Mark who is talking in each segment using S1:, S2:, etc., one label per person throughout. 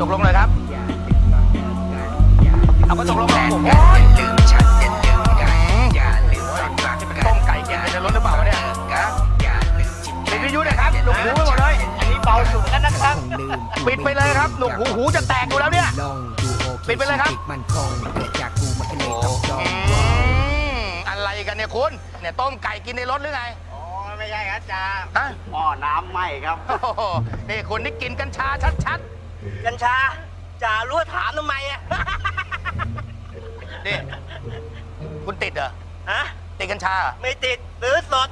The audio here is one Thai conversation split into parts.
S1: กลงเลยครับเอาก็ตกลงกันโอ้โหลืมฉันอย่าลืมกันอย่าลืมความรักที่มันต้มไก่กินในรถหรือเปล่าเนี่ยปิดวิทยุเลยครับหนุกหูไปหมดเลยอันนี้เบาสุดแล้วนะครับปิดไปเลยครับหนุกหูจะแตกอยู่แล้วเนี่ยปิดไปเลยครับอะไรกันเนี่ยคุณเนี่ยต้มไก่กินในรถหรือไง
S2: อ๋อไม่ใช่ครับจ่า
S1: ฮะ
S2: หม้อน้ำไหม้ครับ
S1: โอ้โหนี่คุณนี่กินกัญชาชัด
S2: กัญชาจ่ารู้ถามทำไมอ่ะ
S1: ๆนี่คุณติดเหรอ
S2: ฮะ
S1: ติดกัญชาเหรอ
S2: ไม่ติดซื้อสด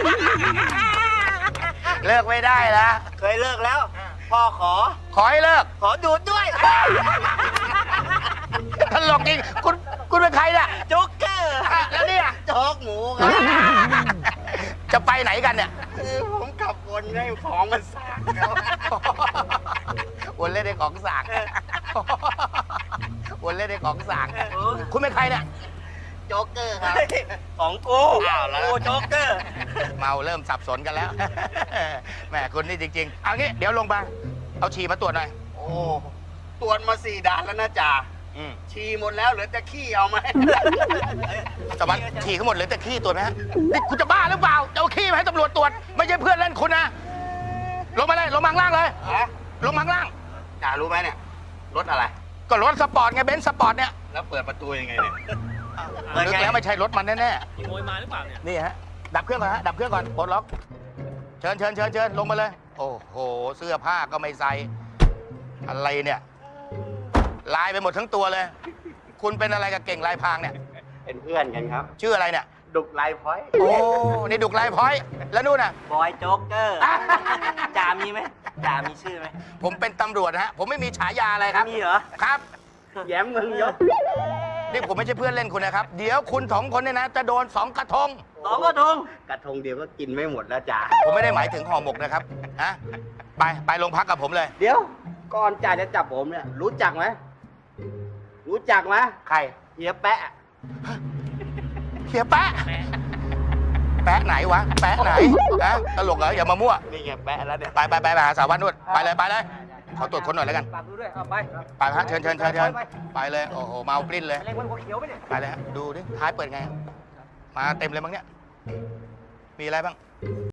S1: เลิกไม่ได้แล้ว
S2: เคยเลิกแล้ว พ่อขอ
S1: ขอให้เลิก
S2: ขอดูดด้วย
S1: ตลกจริงคุณเป็นใครเนี่ย
S2: โจ๊กเกอร์
S1: แล้วเนี่ย
S2: โจ๊กหมูครับ
S1: จะไปไหนกันเนี่ย
S2: ผมขับวนให้ของมันสากครับ
S1: วนเล่นในของสางวนเล่นในของสางคุณเป็นใครเนี่ย
S2: โจ๊กเกอร์ครับของกู
S1: อ้าวแล้ว
S2: กูโจ๊กเกอร์
S1: เมาเริ่มสับสนกันแล้ว แหมคุณนี่จริงๆเอางี้เดี๋ยวลงมาเอาฉี่มาตรวจหน่อย
S2: โอ้ตรวจมา4 ด่านแล้วนะจ่าฉี่หมดแล้วเหลือแต่ขี้เอาไหม
S1: สวัสดีฉี่ทั้งหมดเหลยแต่ขี้ตรวจไหมฮะนี่คุณจะบ้าหรือเปล่าจะเอาขี้มาให้ตำรวจตรวจไม่ใช่เพื่อนเล่นคุณนะลงมาเลยลงมาข้างล่างเลย
S2: ฮะ
S1: ลงมาข้างล่าง
S2: จ่ารู้ไหมเนี่ยรถอะไร
S1: ก็รถสปอร์ตไงเบนซ์สปอร์ตเนี่ย
S2: แล้วเปิดประตูยังไงเนี่ย
S1: นึกแล้วไม่ใช่รถมันแน่
S3: ขโมยมาหรือเปล่าเนี่ย
S1: ๆนี่ฮะดับเครื่องก่อนฮะดับเครื่องก่อนปลดล็อกเชิญลงมาเลย โอ้โหเสื้อผ้าก็ไม่ใส่อะไรเนี่ยลายไปหมดทั้งตัวเลย คุณเป็นอะไรกับเก่งลายพรางเนี่ย
S2: เป็นเพื่อนกันครับ
S1: ชื่ออะไรเนี่ย
S2: ดุกไลฟ์พอยต์
S1: โอ้นี่ดุกลายพร้อยแล้วนู่นน่ะ
S2: บอยโจ๊กเกอร์จ่ามีไหมจ่ามีชื่อไหม
S1: ผมเป็นตำรวจนะฮะผมไม่มีฉายาอะไรครับ
S2: มีเหรอ
S1: ครับ
S2: แย้มมึงยศ
S1: นี่ผมไม่ใช่เพื่อนเล่นคุณนะครับ เดี๋ยวคุณสองคนเนี่ยนะจะโดน2 กระทง
S2: 2 กระทงกระทงเดียวก็กินไม่หมดแล้วจ่า
S1: ผมไม่ได้หมายถึงห่อหมกนะครับฮะไปโรงพักกับผมเลย
S2: เดี๋ยวก่อนจ่าจะจับผมเนี่ยรู้จักไหม
S1: ใคร
S2: เฮียแปะ
S1: เฮียแปะแปะไหนวะแปะไหนนะตลกเหรออย่ามามั่ว
S2: นี่ไงแปะแล้วเนี่ย
S1: ไปหาสาววัดนู่นไปเลยขอตรวจคนหน่อยแล้วกัน
S2: ฝากดูด้วยเอาไป
S1: ไปฮะเชิญไปเลยโอ้โหเมาปลิ้นเลย
S2: เล็งบนหัวเขียวไปเนี่ย
S1: ไปเลยฮะดูดิท้ายเปิดไง มาเต็มเลยมั้งเนี่ย มีอะไรบ้าง